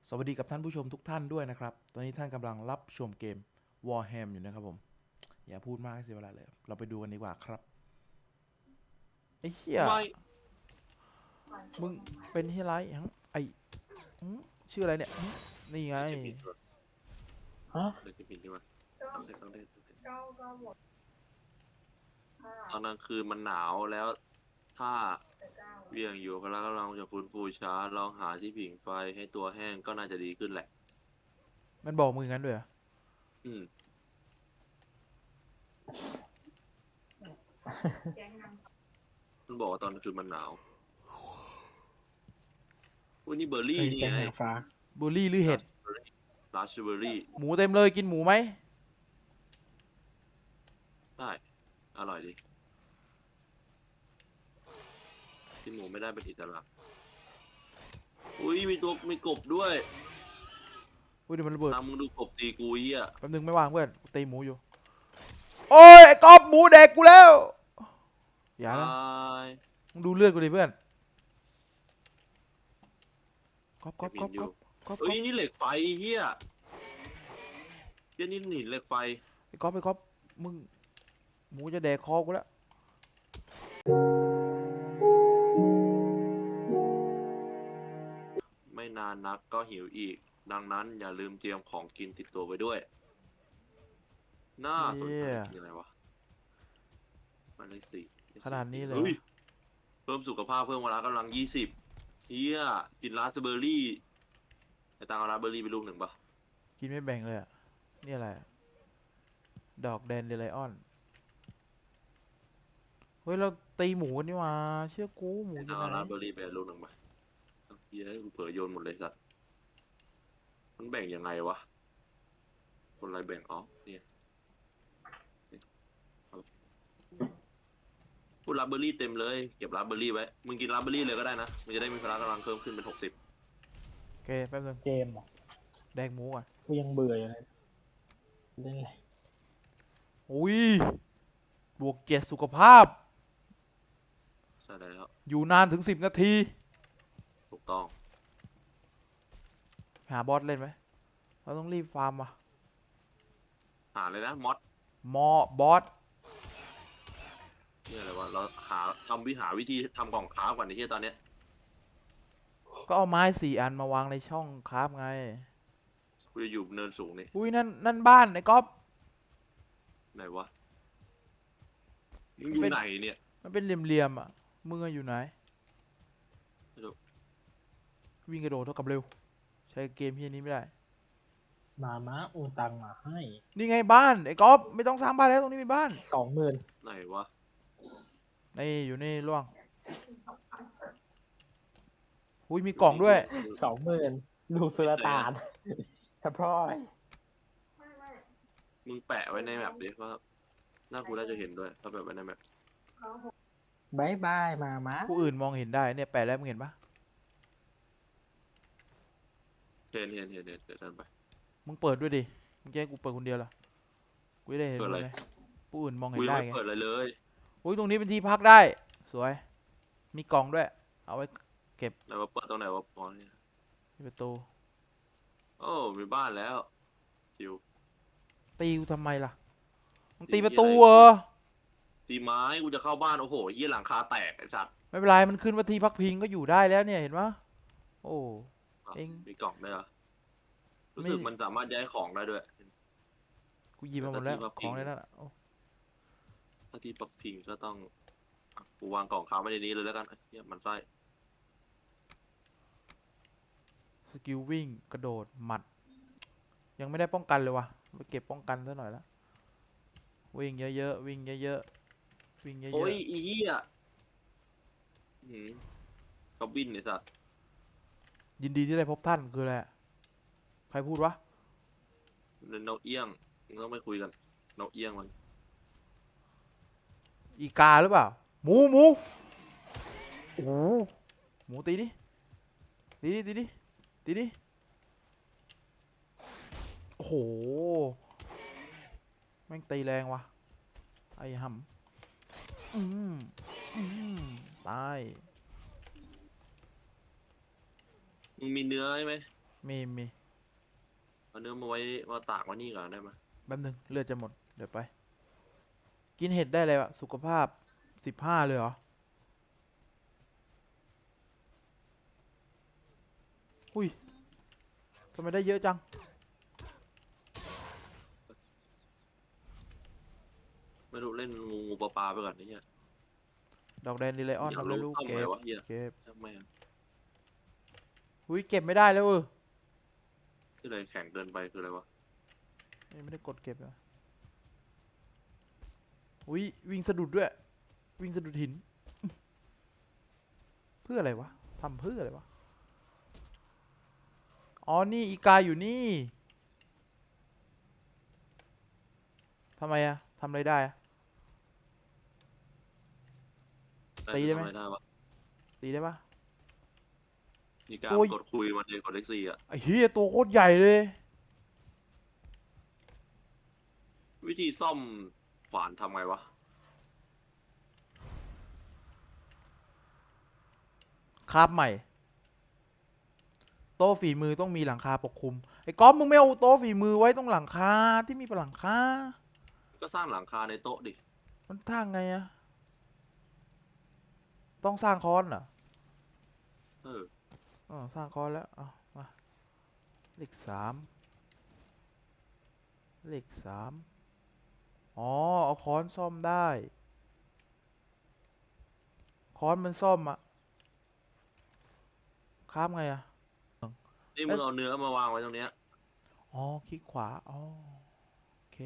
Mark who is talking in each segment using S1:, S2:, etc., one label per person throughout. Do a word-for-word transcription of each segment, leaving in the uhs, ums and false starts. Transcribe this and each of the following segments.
S1: สวัสดีกับท่านผู้ชมทุกท่านด้วยนะครับ ตอนนี้ท่านกำลังรับชมเกม Warham อยู่นะครับผม อย่าพูดมากเสียเวลาเลย เราไปดูกันดีกว่าครับ ไอ้เหี้ย
S2: ไม่
S1: มึงเป็นเฮียไรฮังไอหืมชื่ออะไรเนี่ยหึนี่ไง
S2: จะปิดด้วย
S3: ฮะ
S2: เลยจะปิดดีกว่าต้องเล่นต้องเล่นต้องเล่น
S4: เก้าเก้าหมดห้า
S2: ตอนกลางคืนมันหนาวแล้ว ถ้า
S4: แต่เก้า
S2: เวียงอยู่ก็แล้วก็ลองจะฟื้นฟูช้าลองหาที่ผิงไฟให้ตัวแห้งก็น่าจะดีขึ้นแหละ
S1: มันบอกมึงงั้นด้วยเหรอ
S2: อืม
S4: แก๊งน
S2: มันบอกว่าตอนกลางคืนมันหนาววันนี้เบอร์รี่
S3: เป็น
S2: นี่
S3: แก๊ง
S2: ไง
S3: นางฟ้า
S1: บูลลี่หรือเห็ด
S2: ราสเบอร์รี่
S1: หมูเต็มเลยกินหมูไหม
S2: ได้อร่อยดีกินหมูไม่ได้เป็นอิสระอุ้ยมีตัวมีกบด้วย
S1: อุ้ยเดี๋ยวมันระเบิด
S2: ตามมึงดูกบตีกูเหี้ย
S1: แป๊บนึงไม่วางเพื่อนกูตีหมูอยู่ โอ้ยไอ้ก๊อฟหมูแดกกูแล้ว อย่านะ
S2: ตาย
S1: มึงดูเลือดกูดิเพื่อนก๊อฟก๊อฟก๊อฟก๊อฟก๊อฟ
S2: เฮ้ยนี่เหล็กไฟเหี้ยเหี้ยนี่หนีเหล็กไฟ
S1: ไอ้ก๊อฟไอ้ก๊อฟมึงหมูจะแดกคอกูแล้ว
S2: ไม่นานนักก็หิวอีก ดังนั้นอย่าลืมเตรียมของกินติดตัวไว้ด้วย น่าสนใจกินอะไรวะหมายเลขสี่
S1: ขนาดนี้เลย
S2: ฮ้เพิ่มสุขภาพเพิ่มเวลากำลังยี่สิบเฮียกินราสเบอร์รี่ไอตังเอาราสเบอร์รี่ไปลูกหนึ่งปะ
S1: กินไม่แบ่งเลยอ่ะนี่อะไรอะดอกแดนเดลไลออนเฮ้ยเราตีหมูกันนี่หว่าเชื่อกูหมู
S2: ไอ
S1: อ
S2: ตั
S1: ยู่
S2: ง
S1: ไห
S2: เอาราส
S1: น
S2: เบอร์รี่ไปลูกหนึ่งปะเฮียกูเผลอโยนหมดเลยสัตว์มันแบ่งยังไงวะคนอะไรแบ่งอ๋อเนี่ยพูดราสเบอร์รี่เต็มเลยเก็บราสเบอร์รี่ไว้มึงกินราสเบอร์รี่เลยก็ได้นะมึงจะได้มีพละกำลังเพิ่มขึ้นเป็นหกสิบ
S1: โอเคแป๊บนึง
S3: เกมเหรอ
S1: แดกหมูก่อน
S3: กูยังเบื่ออยู่เลยเล่นอะไร
S1: อุ้ยบวกเจ็ดสุขภาพ
S2: ใช่แล้ว
S1: อยู่นานถึงสิบนาที
S2: ถูกต้อง
S1: หาบอสเล่นไหมเราต้องรีบฟาร์มว่ะ
S2: หาเลยนะมอส
S1: มอบอส
S2: เนี่ยอะไรวะเราหาทำวิหาวิธีทำกล่องค้าก่อนในที่ตอนเนี้ย
S1: ก็เอาไม้สี่อันมาวางในช่องคราฟไง
S2: กูจะอยู่เนินสูงนี่
S1: อุ้ยนั่นนั่นบ้านไอ้ก๊อฟ
S2: ไหนวะมึงอยู่
S1: เป็น
S2: ไหนเนี่ย
S1: มันเป็นเหลี่ยมๆอ่ะมึงอะอยู่ไหน
S2: ไม่รู้
S1: วิ่งกระโดดเท่ากับเร็ว ใช้เกมที่นี้ไม่ได้
S3: มาม้าโอนตังมาให้
S1: นี่ไงบ้านไอ้ก๊อฟไม่ต้องสร้างบ้านแล้วตรงนี้มีบ้าน
S3: สองหมื่น
S2: ไหนวะ
S1: นี่อยู่นี่ล่วงอุ้ยมีกล่องด้วย
S3: สองหมื่นลูกสุลต่านสปอย
S4: ำไม่ไม่
S2: มึงแปะไว้ในแมปดิว่าหน้ากูน่าจะเห็นด้วยถ้าแปะไว้ในแมป
S4: เขาหก
S3: บายบายมาม้า
S1: ผู้อื่นมองเห็นได้เนี่ยแปะแล้วมึงเห็นปะ
S2: เห็นเห็นเห็นเห็นเดี๋ยวเดินไป
S1: มึงเปิดด้วยดิมึงจะให้กูเปิดคนเดียวเหรอกูจะได้เห็น
S2: เปิด
S1: มึ
S2: อะไร
S1: งไงผู้อื่นมอง
S2: กู
S1: เห็น
S2: ยัง
S1: ได้
S2: ไม่
S1: ไง
S2: เปิดอะไรเลย
S1: อุ้ยตรงนี้เป็นที่พักได้ สวย มีกล่องด้วย เอาไว้
S2: ไหนว่าเปิดตรงไหนวะอ๋อเนี่ย
S1: ที่ประตู
S2: โอ้มีบ้านแล้วจิว
S1: ตีกูทำไมล่ะมึง
S2: ตี
S1: ตีประ
S2: อะไร
S1: ตูเหรอ
S2: ตีไม้กูจะเข้าบ้านโอ้โหยี่หลังคาแตกไอ้สัตว์
S1: ไม่เป็นไรมันขึ้นว่าที่พักพิงก็อยู่ได้แล้วเนี่ยเห็นปะโอ้
S2: อ่ะ
S1: เอง
S2: มีกล่องด้วยเหรอรู้
S1: ไม่
S2: สึกมันสามารถย้ายของได้ด้วย
S1: กูหยิบมาหมดแล้ว
S2: แต่ที่พัก
S1: ข
S2: พิ
S1: อง
S2: ง
S1: ในนั้นอะโอ้
S2: ถ้าที่ปักพิงก็ต้องอ่ะกูวางกล่องค้าไว้ในนี้เลยแล้วกันไอ้เหี้ยมันไส้
S1: สกิลวิ่งกระโดดหมัด ยังไม่ได้ป้องกันเลยวะไปเก็บป้องกันซะหน่อยละวิ่งเยอะๆวิ่งเยอะๆวิ่งเยอะ
S2: โอ้ยอีเหี้ยหืมกอบบินไอ้สัตว์
S1: ๆยินดีที่ได้พบท่านคืออะไรอะใครพูดวะ
S2: นกเอี้ยงมึงต้องไปคุยกันนกเอี้ยงมัน
S1: อีกาหรือเปล่าหมูหมูโอ้โหหมูตีดิตีดิตีดิตีดิโอ้โหแม่งตีแรงว่ะไอ้ห่ำอืมอืมตาย
S2: มึงมีเนื้อใช่ไหม
S1: มีมี
S2: เอาเนื้อมาไว้มาตากไว้นี่ก่อนได้ไหม
S1: แป๊บนึงเลือดจะหมดเดี๋ยวไป กินเห็ดได้เลยวะสุขภาพสิบห้าเลยเหรออุ้ยทำไมได้เยอะจัง
S2: ไม่รู้เล่นงูงูปลาปลาไปก่อนนี่เฮีย
S1: ดอกแดนดีไลออน
S2: อยาก
S1: ทำได้
S2: รู้
S1: ลูก
S2: ซ่อม
S1: เก็
S2: อะไร
S1: บ
S2: วะเฮีย
S1: เก็บ
S2: ช่างแม่ง
S1: อุ้ยเก็บไม่ได้แล้วเออ
S2: ที่เลยแข็งเกินไปคืออะไรวะ
S1: ยังไม่ได้กดเก็บเลยอุ้ยวิ่งสะดุดด้วย วิ่งสะดุดหิน เพื่ออะไรวะทำเพื่ออะไรวะ อ๋อ นี่อีกาอยู่นี่ทำไมอะทำอะไรได้อะ ตีได้ไหม
S2: ทำอะรได้วะ
S1: ตีได้ปะ
S2: มีการ
S1: โอ้ย
S2: กดคุยมันเลยกดเลขสี่อ่ะ
S1: ไอ้เฮียตัวโคตรใหญ่เลย
S2: วิธีซ่อมขวานทำไงวะ
S1: คาบใหม่ โต๊ะฝีมือต้องมีหลังคาปกคลุม ไอ้ก๊อฟมึงไม่เอาโต๊ะฝีมือไว้ตรงหลังคาที่มีเป็นหลังคา
S2: ก็สร้างหลังคาในโต๊ะดิ
S1: มันทางไงอะต้องสร้างคอนเหรอ
S2: เออ
S1: อ๋อสร้างคอนแล้วเอามา เลขสาม เลขสาม อ๋อ เอาค้อนซ่อมได้ ค้อนมันซ่อมอะคาบไงอะ
S2: นี่มึงเอาเนื้อมาวางไว้ตรงเนี้ย
S1: อ๋อ คลิกขวา อ๋อ โอเค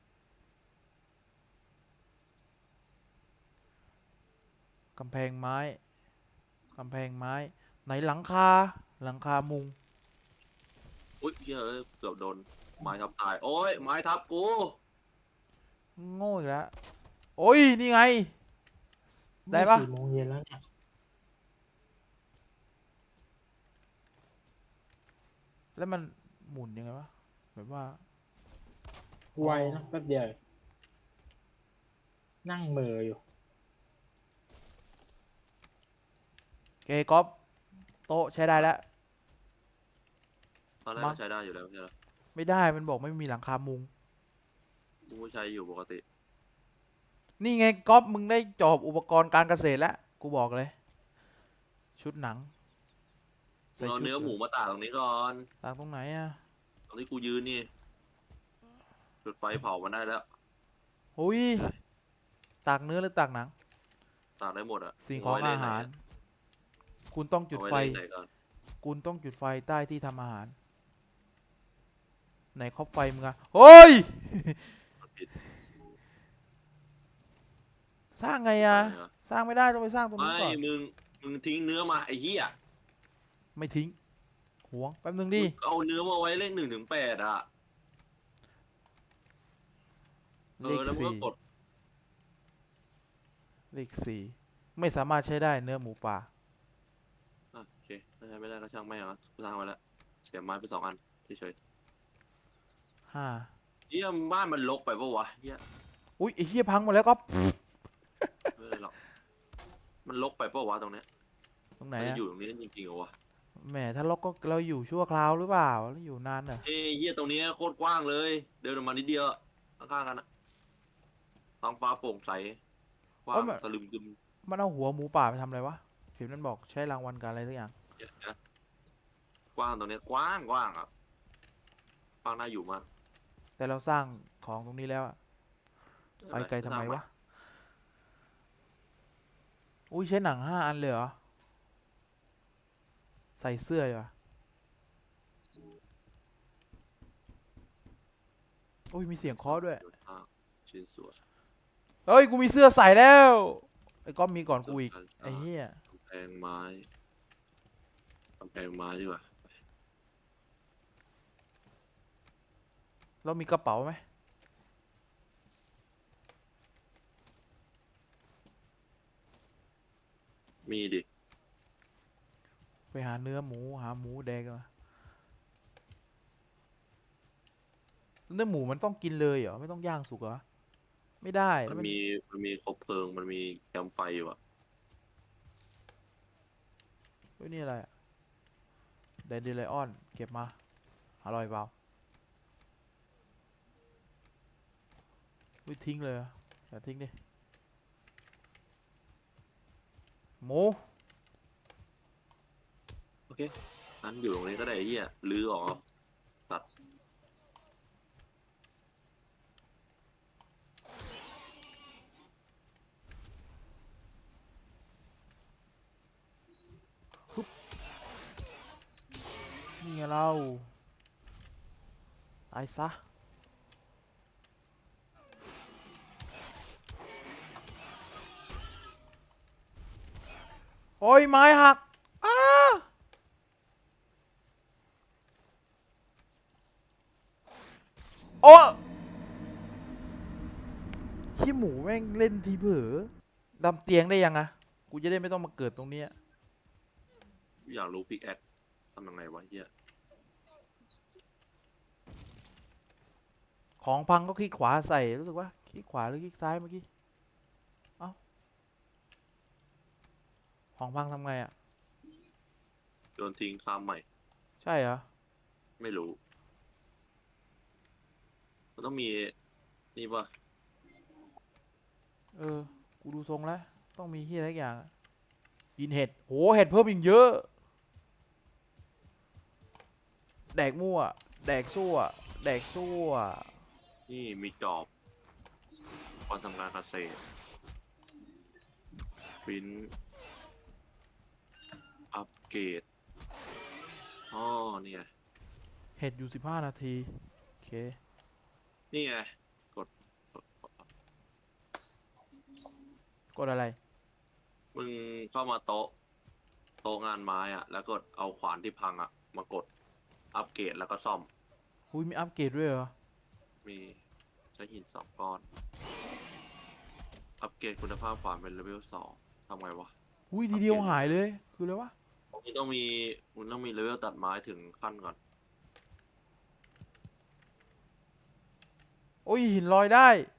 S1: กำแพงไม้ กำแพงไม้ ไหนหลังคา หลังคามุง
S2: อุ้ยเฮียเอ้ยเกือบโดนไม้ทับตาย โอ้ยไม้ทับกู
S1: โง่อีกแล้ว โอ้ย นี่ไง ได้ปะ
S3: สี่โมงเย็นแล้วเนี่ย
S1: แล้วมันหมุนยังไงวะ แบบว่า
S3: ไวนะแป๊บเดียว นั่งเหมืออยู่
S1: โอเคก๊อฟโต๊ะใช้ได้แล้ว
S2: ตอนแรก
S1: มั้ง
S2: ก็ใช้ได้อยู่แล้วไม่ใช่เหรอ
S1: ไม่ได้ มันบอกไม่มีหลังคามุง
S2: กูก็ใช้อยู่ปกติ
S1: นี่ไงก๊อฟมึงได้จอบอุปกรณ์การเกษตรแล้ว กูบอกเลย ชุดหนัง
S2: มึงเอาเนื้อหมูมาตากตรงนี้ก่อน
S1: ตากตรงไหนอะ
S2: ตรงที่กูยืนนี่จุดไฟเผามันได้แล้ว
S1: อุ้ย ตากเนื้อหรือตากหนัง
S2: ตากได้หมดอ่ะ
S1: สิ่งของ
S2: เไว้ใน
S1: อา
S2: ไหน
S1: หาร
S2: อะ
S1: คุณต้องจุด
S2: เอา
S1: ไฟ
S2: ว้ในไหนก่อน
S1: คุณต้องจุดไฟใต้ที่ทำอาหาร ไหนครอบไฟมึงอะเฮ้ย
S2: ผิด
S1: สร้างไงอะ
S2: อะไรวะ
S1: สร้างไม่ได้ต้องไปสร้างตรงนู้น
S2: ไม่
S1: ก่อน
S2: มึงมึงทิ้งเนื้อมาไอ้เหี้ย
S1: ไม่ทิ้งหวงแป๊บนึงดิ
S2: มึงเอาเนื้อมาไว้เลขหนึ่งถึงแปดอ่ะเอ
S1: เล
S2: อ
S1: ข
S2: แล้วมึง
S1: สี่
S2: ก็กด
S1: เลขสี่ไม่สามารถใช้ได้เนื้อหมูป่า
S2: อ่ะโอเคไม่ได้ไม่ได้ก็ช่างไม่เอากูสร้างไว้แล้วเสียไม้ไปสองอันเฉย
S1: ห้า
S2: ๆเหี้ยบ้านมันรกไปปะวะเหี้ย
S1: อุ้ยไอ้เหี้ยพังหมดแล้วก็
S2: ไม่เป็นไรหรอกมันรกไปปะวะตรงเนี้ย
S1: ตรงไหน
S2: มัน
S1: อะ
S2: อยู่ตรงนี้จริงๆเหรอวะ
S1: แหมถ้าล็อกก็เราอยู่ชั่วคราวหรือเปล่าแล้วอยู่นานเหรอ
S2: เอ้ยเหี้ยตรงนี้โคตรกว้างเลย เดินออกมานิดเดียวข้างๆกันอะท้องฟ้าโปร่งใสกว้างตะลึมตึม
S1: มันเอาหัวหมูป่าไปทำอะไรวะเห็นมันบอกใช้รางวัลการอะไรสักอย่าง
S2: เหี้ยนะกว้างตรงเนี้ยกว้างกว้างอ่ะกว้างน่าอยู่มาก
S1: แต่เราสร้างของตรงนี้แล้วอะไปไกลทำไมวะอุ้ยใช้หนังห้าอันเลยเหรอใส่เสื้อเลยวะอุ้ยมีเสียงเคาะด้วย
S2: ชิ้นส่วน
S1: เฮ้ยกูมีเสื้อใส่แล้วไอ้ก๊อฟมีก่อนกูอีกไอ้เหี้ย
S2: กำแพงไม้กำแพงไม้ดีกว่า
S1: เรามีกระเป๋าไหม
S2: มีดิ
S1: ไปหาเนื้อหมูหาหมูแดงมาเนื้อหมูมันต้องกินเลยเหรอไม่ต้องย่างสุกเหรอไม่ได้
S2: มั
S1: แล้ว
S2: น
S1: มัน
S2: มีมันมีคบเพลิงมันมีแคมป์ไฟอยู่อ่ะ
S1: เฮ้ยนี่อะไรอะแดนเดไลออนเก็บมาอร่อยเปล่าอุ้ยทิ้งเลยเหรออย่าทิ้งดิหมู
S2: โอเคนั้นอยู่ตรงนี้ก็ได้ไอ้เหี้ยลื้อออกเอาตัด
S1: นี่ไงเราตายซะโอ้ยไม้หักอ้าโอ้ขี้หมูแม่งเล่นทีเผลอดำเตียงได้ยังอะกูจะได้ไม่ต้องมาเกิดตรงเนี้ย
S2: อยากรู้พิกแอคทำยังไงวะเหี้ย
S1: ของพังก็คลิกขวาใส่รู้สึกว่าคลิกขวาหรือคลิกซ้ายเมื่อกี้เอ้าของพังทำไงอะ
S2: โยนทิ้งข้ามใหม่
S1: ใช่เหรอ
S2: ไม่รู้ มันต้องมีนี่ป่ะ
S1: เออ กูดูทรงแล้ว ต้องมีที่อะไรสักอย่างอะกินเห็ด โห เห็ดเพิ่มอีกเยอะ แดกมั่ว แดกซั่ว แดกซั่ว
S2: นี่มีจอบก่อนทำการเกษตรปริ้นอัปเกรดอ๋อเนี่ย
S1: เห็ดอยู่สิบห้านาที โอเค
S2: นี่ไงกดกดกด
S1: กดอะไร
S2: มึงเข้ามาโต๊ะโต๊ะงานไม้อะแล้วกดเอาขวานที่พังอะมากดอัปเกรดแล้วก็ซ่อม
S1: หุยมีอัปเกรดด้วยเหรอ
S2: มีใช้หินสองก้อน อัปเกรดคุณภาพขวานเป็นเลเวลสองทำไงวะ
S1: หุยทีเดียวหายเลย คืออะไรวะ
S2: มึงต้องมีมึงต้องมีเลเวลตัดไม้ถึงขั้นก่อน
S1: โอ้ยหินลอยได้